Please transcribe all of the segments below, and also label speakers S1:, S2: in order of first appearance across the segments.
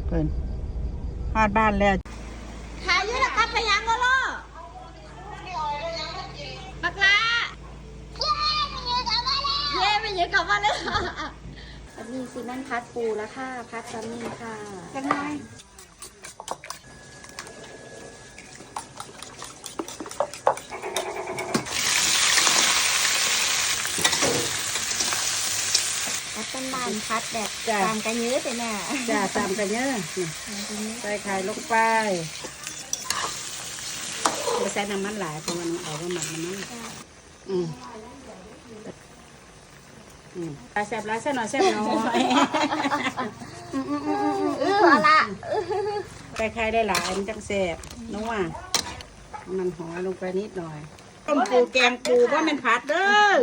S1: เปิดฮอดบ้านแล้ว
S2: ขายยืดกับไปยังก็ล่อบักลาเย้ไม่ยืดกลับมาเลยอันนี้ซีนั่นพัดปูแล้วค่ะพัดซัมมี่ค่ะยังไงต้นบานพัดแบบตามกันเยอะเลยน่ะ
S1: จ้าตามกันเยอะใส่ไข่ลงไปไม่ใส่น้ำมันหลายเพราะมันเอาไปหมักน้ำมันปลาแซ่บร้ายแซ่บหน่อยแซ่บน้อย
S2: ละ
S1: ใส่ไข่ได้หลายมันจังแซ่บนัวมันหอมลงไปนิดหน่อยต้มปูแกงปูว่ามันผัดเด้อ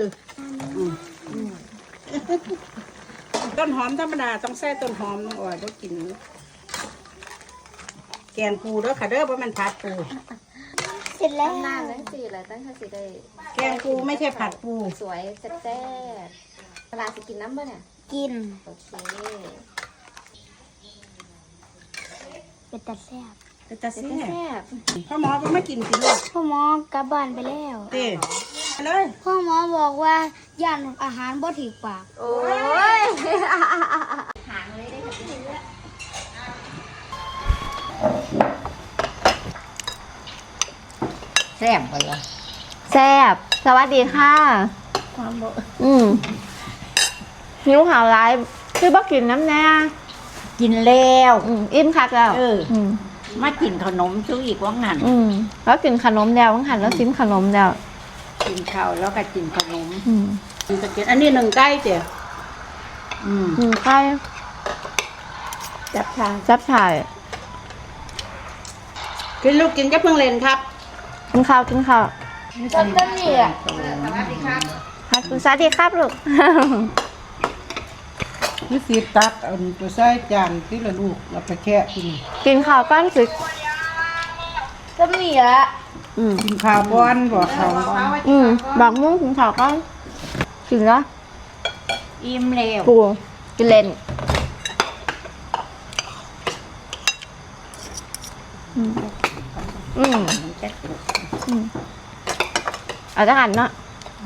S1: ต้นหอมธรรมดาต้องใส่ต้นหอมน้องอ่อยต้องกินแกงปูเด้อค่ะเด้อเพราะมันผัดปู
S2: เสร็จแล้วนานเลยสิอะไรตั้งแต่สิได้
S1: แกงปูไม่ใช่ผัดปู
S2: สวยแซ่บเวลาสิกินน้ำป่ะเนี่ยกินโอเคเป็นตาแซ่บ
S1: เป็นตาแซ่บพ่อหมอก็ไม่กินกินหรอก
S3: พ่อหมอกลับบ้านไปแล้ว
S1: เต้เลย
S3: พ่อหมอบอกว่าย่านอาหารบ่ถูกปาก
S2: โอ้ยหางเลยได้ค่ะ
S1: แซ่บไปละ
S2: แซ่บสวัสดีค่ะหิวข่าวร้ายคือบ่กินน้ำแน่
S1: กินแล้ว
S2: อิ่มคักแล้ว
S1: มากินขนมซื้ออีกว่างหัน
S2: แล้วกินขนมแล้วว่างหันแล้วซิมขนมแล้ว
S1: กินข้าวแล้วก็กินขนมอันนี้หนึ่งไก่เจ้ะ
S2: หนึ่งไก่จับฉ่าย
S1: กินลูกกินก็เพิ่งเล่นครับ
S2: กินข้าว
S3: ต้นนี่อ่ะ
S1: สวัสดีครับ
S2: สวัสดีครับลูก
S1: นี่สีตักเอาไปใส่จานที่ละลูกเราไปแค่
S2: กินข้าวก้อนสิ
S3: ต้นนี่อ่ะ
S1: กินข้าวบ้อนบอกข้าวบ้อน
S2: บอกมุ้งกินข้าวก้อนกินแล้ว
S1: อิ่มแล้ว
S2: ปูกินเล่นเอาจังอันเนาะ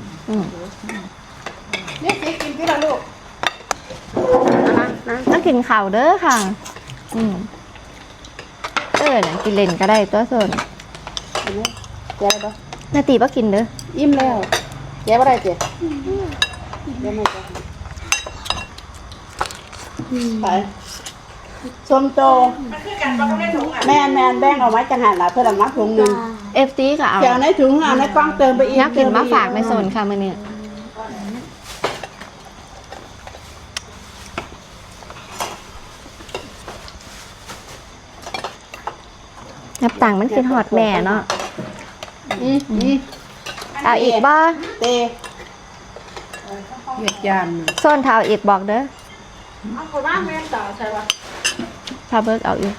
S1: นี่สิกินที่ละลูก
S2: ต้องกินข้าวเด้อค่ะน่ะกินเล่นก็ได้ตัวส่วน
S1: แย่ปะ
S2: นาตีป่ะกินเด้อ
S1: อิ่มแล้วแย่ปะได้เจ๊แย่ไม่แย่ไปส้มโตแม่แบ่งเอาไว้จังหันละเพื่อนมาถุงนึง
S2: FT ก็เอา
S1: เดี๋ยวในถุงเอาในกล้องเติมไปอีก
S2: นักกินมาฝากในโซนค่ะมื้อนี้นับต่างมันคือหอดแม่เนาะเอาอีกบ่
S1: เตะเหยียดยาน
S2: โซนเท้าอีกบอกเด้อ
S1: เอาคนบ้านแม่ต่อใช่ปะ
S2: พาเบิร์กเอาอีก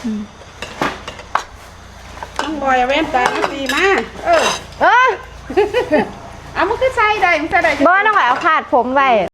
S1: น้องบอยเว้นตาตีมา
S2: เอา
S1: มันคือใส่ได้มันใส่ได้
S2: บ่ต้องเอาขาดผมไว้